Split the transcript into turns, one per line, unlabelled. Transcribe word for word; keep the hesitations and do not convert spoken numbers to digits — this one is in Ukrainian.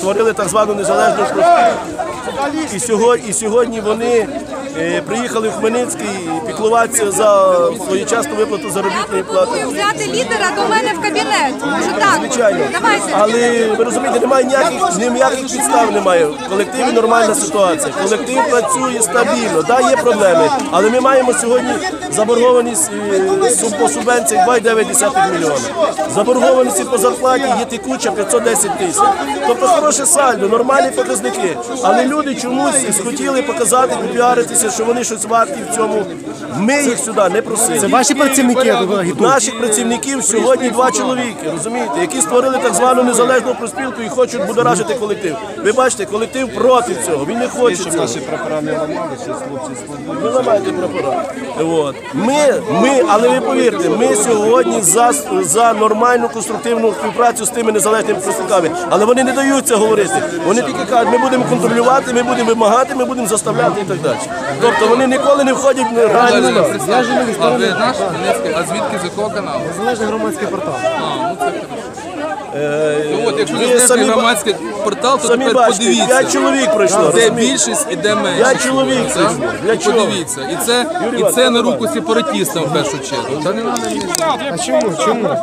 створили так звану незалежну профспілку. І сьогодні, і сьогодні вони е, приїхали в Хмельницький піклуватися за своєчасну виплату заробітної плати.
Взяти лідера до мене в кабінет. Може так?
Звичайно.
Давайте.
Але ви розумієте, немає ніяких, ніяких підстав немає. В колективі нормальна ситуація. Колектив працює стабільно. Да, є проблеми. Але ми маємо сьогодні заборгованість е, по субвенціях два цілих дев'ять десятих мільйона. Заборгованість по зарплаті є текуча п'ятсот десять тисяч. Тобто хороше сальдо, нормальні показники. Але люди чомусь схотіли показати, попіаритися, що вони щось варті в цьому. Ми їх сюди не просили.
Це ваші працівники агітують?
Наших працівників сьогодні два чоловіки, розумієте, які створили так звану незалежну профспілку і хочуть будоражити колектив. Ви бачите, колектив проти цього, він не хоче цього.
Наші прапора не ламалися, хлопці складуть.
Ви ламаєте прапора. От. Ми, ми, але ви повірте, ми сьогодні за, за нормальну конструктивну співпрацю з тими незалежними профспілками. Але вони не дають це говорити. Вони тільки кажуть, ми будемо контролювати, ми будемо вимагати, ми будемо заставляти і так далі. Тобто вони ніколи не входять в реальну справу.
А ви наш Хмельницький, а звідки, з якого каналу?
Незалежний громадський портал.
Ну от, якщо
Ви
незалежний
самі ба-
громадський портал, то
Самі
тепер
бачите, п'ять
подивіться,
чоловік пройшло.
де
розумієте?
більшість і де меншість.
П'ять чоловік
Так?
пройшло. Для
І
чого?
подивіться. І це,
Юрій
і це
Іванович,
на руку сепаратистам в першу чергу. Та не треба мені.
А чому? Чому?